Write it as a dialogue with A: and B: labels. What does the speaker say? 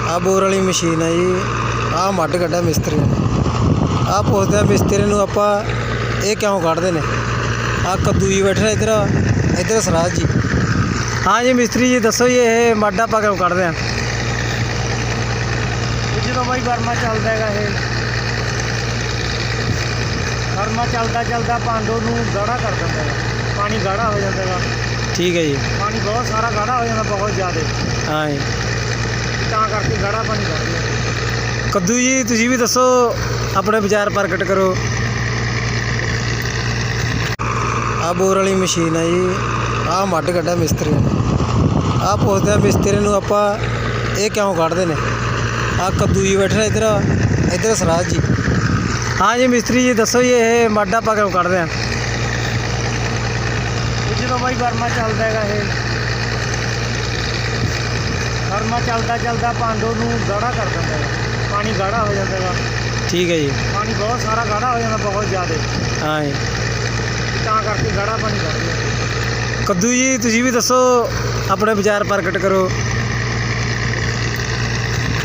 A: ਆ ਬੋਰ ਵਾਲੀ ਮਸ਼ੀਨ ਹੈ ਜੀ। ਆ ਮੱਡ ਕੱਢਿਆ ਮਿਸਤਰੀ ਨੇ। ਆ ਪੁੱਛਦੇ ਮਿਸਤਰੀ ਨੂੰ ਆਪਾਂ ਇਹ ਕਿਉਂ ਕੱਢਦੇ ਨੇ। ਆ ਕੱਦੂ ਜੀ ਬੈਠਾ ਇੱਧਰ ਸਰਾਜ ਜੀ। हाँ जी मिस्त्री जी दसो जी ये मड आप क्यों कढ़ते हैं।
B: जो भाई गर्मा चलता है गर्मा चलता चलता पांडो गाढ़ा कर देता है, पानी गाढ़ा हो जाता है।
A: ठीक है जी,
B: पानी बहुत सारा गाढ़ा हो जाता बहुत ज़्यादा।
A: हाँ जी
B: करके गाढ़ा पानी कर
A: कद्दू जी तुसी भी दसो अपने विचार प्रगट करो। आ बोर वाली मशीन है जी। आ मड कढ़िया मिस्त्री ने। आ पुछते मिस्त्री ਨੂੰ ਆਪਾਂ ਇਹ ਕਿਉਂ ਕੱਢਦੇ ਨੇ। ਆ ਕੱਦੂ ਜੀ ਬੈਠਾ ਇੱਧਰ ਸਰਾਜ ਜੀ। हाँ जी मिस्त्री जी दसो जी ये मड आप क्यों ਕੱਢਦੇ हैं।
B: जो भाई गर्मा चलता है गर्मा चलता चलता पांडो गाढ़ा कर देता है, पानी गाढ़ा हो जाता है।
A: ठीक है जी,
B: पानी बहुत सारा गाढ़ा हो जाता बहुत ज़्यादा।
A: हाँ जी
B: करके गाढ़ा पानी कर दिया।
A: कद्दू जी तुसी भी दसो अपने विचार प्रगट करो।